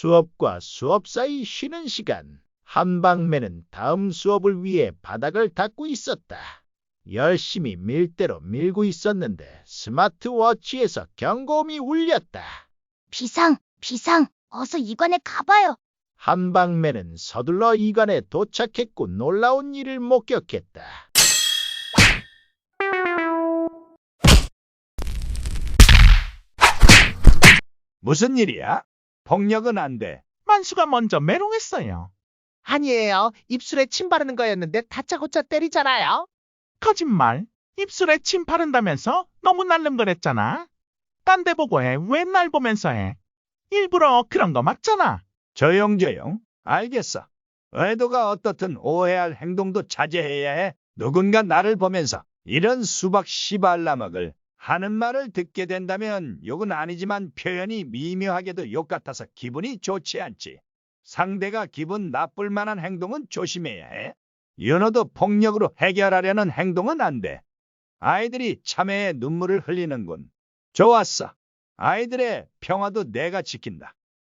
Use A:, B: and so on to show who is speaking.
A: 수업과 수업 사이 쉬는 시간. 한방매는 다음 수업을 위해 바닥을 닦고 있었다. 열심히 밀대로 밀고 있었는데 스마트워치에서 경고음이 울렸다.
B: 비상, 비상, 어서 이관에 가봐요.
A: 한방매는 서둘러 이관에 도착했고 놀라운 일을 목격했다.
C: 무슨 일이야? 폭력은 안 돼.
D: 만수가 먼저 메롱했어요.
E: 아니에요. 입술에 침 바르는 거였는데 다짜고짜 때리잖아요.
D: 거짓말. 입술에 침 바른다면서 너무 날름거렸잖아. 딴 데 보고 해. 왜 날 보면서 해? 일부러 그런 거 맞잖아.
C: 조용조용. 알겠어. 의도가 어떻든 오해할 행동도 자제해야 해. 누군가 나를 보면서 이런 수박 씨발라먹을 하는 말을 듣게 된다면 욕은 아니지만 표현이 미묘하게도 욕 같아서 기분이 좋지 않지. 상대가 기분 나쁠 만한 행동은 조심해야 해. 윤호도 폭력으로 해결하려는 행동은 안 돼. 아이들이 참회의 눈물을 흘리는군. 좋았어. 아이들의 평화도 내가 지킨다.